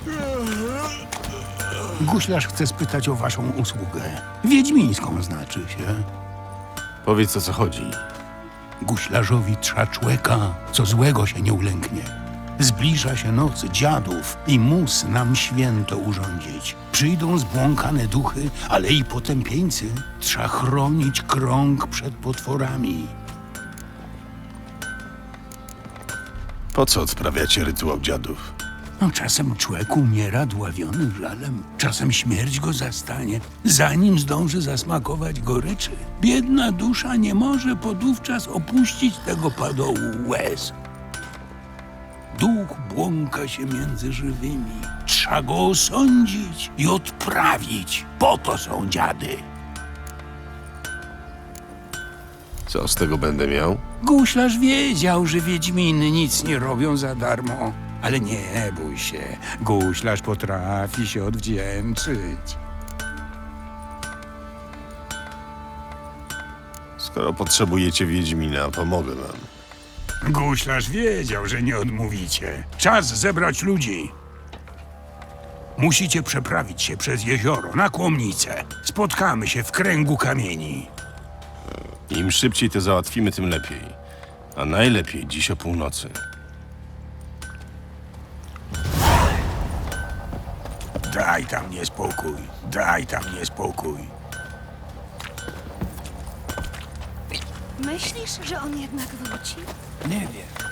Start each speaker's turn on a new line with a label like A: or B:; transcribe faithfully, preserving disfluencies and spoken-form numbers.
A: Guślarz chce spytać o waszą usługę. Wiedźmińską znaczy się.
B: Powiedz, o co chodzi.
A: Guślarzowi trza człeka, co złego się nie ulęknie. Zbliża się noc dziadów i mus nam święto urządzić. Przyjdą zbłąkane duchy, ale i potępieńcy. Trza chronić krąg przed potworami.
B: Po co odprawiacie rytuał dziadów?
A: No, czasem człowiek umiera dławiony żalem, czasem śmierć go zastanie, zanim zdąży zasmakować goryczy. Biedna dusza nie może podówczas opuścić tego padołu łez. Duch błąka się między żywymi. Trzeba go osądzić i odprawić. Po to są dziady.
B: Co z tego będę miał?
A: Guślarz wiedział, że wiedźminy nic nie robią za darmo. Ale nie bój się, guślarz potrafi się odwdzięczyć.
B: Skoro potrzebujecie Wiedźmina, pomogę wam.
A: Guślarz wiedział, że nie odmówicie. Czas zebrać ludzi. Musicie przeprawić się przez jezioro na Kłomnicę. Spotkamy się w kręgu kamieni.
B: Im szybciej to załatwimy, tym lepiej. A najlepiej dziś o północy.
A: Daj tam niespokój, daj tam niespokój.
C: Myślisz, że on jednak wróci?
A: Nie wiem.